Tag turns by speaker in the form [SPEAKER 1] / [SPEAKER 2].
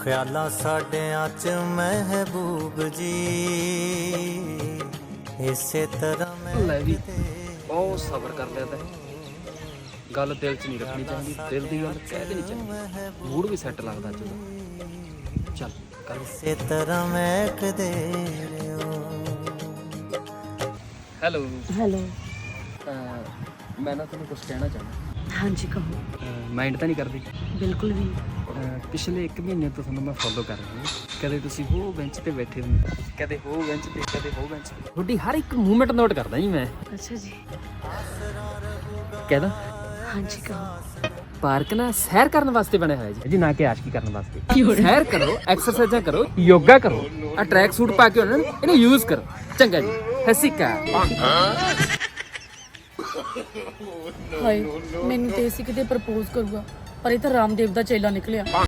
[SPEAKER 1] ख्यालां साडियां च महबूब जी इसे तरह
[SPEAKER 2] ਲੈ ਵੀ ਬਹੁਤ ਸਬਰ ਕਰ ਲਿਆ ਤੈਂ। ਗੱਲ ਦਿਲ 'ਚ ਨਹੀਂ ਰੱਖਣੀ ਚਾਹੀਦੀ, ਦਿਲ ਦੀ ਗੱਲ ਕਹਿ ਦੇਣੀ ਚਾਹੀਦੀ। ਮੂਡ ਵੀ ਸੈੱਟ ਲੱਗਦਾ ਅੱਜ ਉਹਦਾ। ਚੱਲ ਕਰ।
[SPEAKER 1] इसे तरह महकदे रहो।
[SPEAKER 2] ਹੈਲੋ।
[SPEAKER 3] ਹੈਲੋ।
[SPEAKER 2] ਮੈਂ ਨਾ ਤੁਹਾਨੂੰ ਕੁਝ ਕਹਿਣਾ ਚਾਹੁੰਦਾ।
[SPEAKER 3] ਹਾਂਜੀ ਕਹੋ।
[SPEAKER 2] ਮਾਈਂਡ ਤਾਂ ਨਹੀਂ ਕਰਦੀ?
[SPEAKER 3] ਬਿਲਕੁਲ ਵੀ
[SPEAKER 2] ਪਿਛਲੇ 1 ਮਹੀਨੇ ਤੋਂ ਤੁਹਾਨੂੰ ਮੈਂ ਫੋਲੋ ਕਰ ਰਿਹਾ ਹਾਂ। ਕਦੇ ਤੁਸੀਂ ਉਹ ਬੈਂਚ ਤੇ ਬੈਠੇ ਹੁੰਦੇ, ਕਦੇ ਉਹ ਬੈਂਚ ਤੇ, ਕਦੇ ਉਹ ਬੈਂਚ ਤੇ। ਤੁਹਾਡੀ ਹਰ ਇੱਕ ਮੂਵਮੈਂਟ ਨੋਟ ਕਰਦਾ ਜੀ ਮੈਂ।
[SPEAKER 3] ਅੱਛਾ ਜੀ।
[SPEAKER 2] ਕਹਿਦਾ
[SPEAKER 3] ਹਾਂਜੀ ਕਹੋ।
[SPEAKER 2] ਪਾਰਕ ਨਾ ਸੈਰ ਕਰਨ ਵਾਸਤੇ ਬਣਿਆ ਹੋਇਆ ਜੀ ਨਾ ਕਿ ਆਸ਼ਕੀ ਕਰਨ ਵਾਸਤੇ। ਸੈਰ ਕਰੋ, ਐਕਸਰਸਾਈਜ਼ਾਂ ਕਰੋ, ਯੋਗਾ ਕਰੋ। ਆ ਟਰੈਕ ਸੂਟ ਪਾ ਕੇ ਉਹਨਾਂ ਇਹਨੂੰ ਯੂਜ਼ ਕਰੋ। ਚੰਗਾ ਜੀ, ਹਸੀਕਾ।
[SPEAKER 3] ਹਾਏ ਮੈਨੂੰ ਤੇ ਸੀ ਕਿਤੇ ਪ੍ਰਪੋਜ਼ ਕਰੂਗਾ, ਪਰ ਇਹ ਤਾਂ ਰਾਮਦੇਵ ਦਾ ਚੇਲਾ ਨਿਕਲਿਆ।